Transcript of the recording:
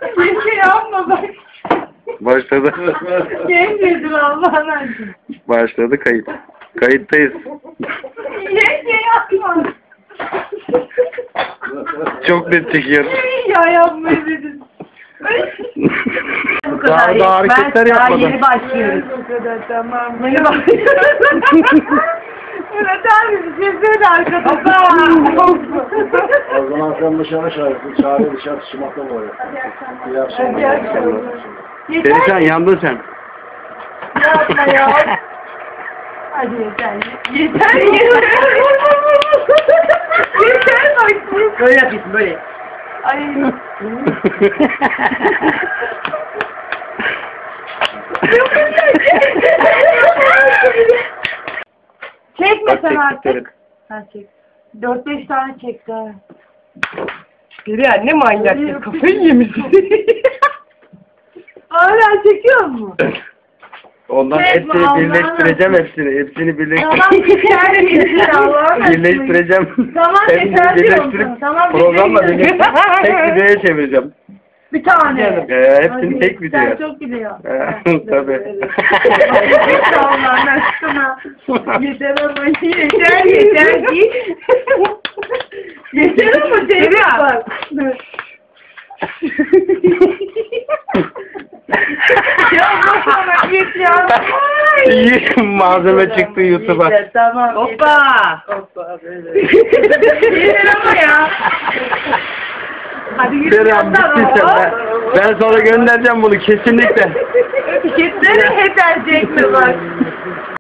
Bir şey yapma bak. Başladı. Yengedir Allah'ın aşkına. Başladı kayıt. Kayıttayız. Yenge yapma. Çok net çekiyor. Ya yapmayı dedim. Bu kadar. Daha hareketler Daha yapmadan. yeni başlıyoruz. Bu kadar tamam. Yeni başlıyoruz. Murat abi bir şey söyle arkadaşlar. O zaman sen dışarı çağır dışarı çıkmakta mı oluyor? İyi akşamlar. Perişan yandın sen. Yapma ya. Hadi yeter. Yeter yeter. Yeter bak. Böyle yapıyorsun böyle. Ay. Çekme Bak, sen çektik, artık. çektik. Ha çek. 4-5 tane çekti. ha. Geriye ne manyak ya, kafayı yemişsin. Hala çekiyor mu? Ondan Çekme, hepsini Allah'ım. birleştireceğim hepsini. Hepsini Tamam yeter yeter Allah'ım. birleştireceğim. Tamam, Hepsini yeter birleştirip diyorsun. Tamam, programla yeter. birleştirip tek videoya çevireceğim. Bir tane. Hepsini Hadi, tek videoya. Sen çok biliyorsun. Tabii. Allah'ın aşkına. Yeter ama yeter yeter ki. Yeter ama Cemil bak. Ya bak git ya. İyi malzeme çıktı YouTube'a. Yeter, tamam. Hoppa. Hoppa böyle. Yeter ama ya. Hadi yürü Kerem yandan bittiyse o. ben sonra göndereceğim bunu kesinlikle. Yeter yeter Cemil bak.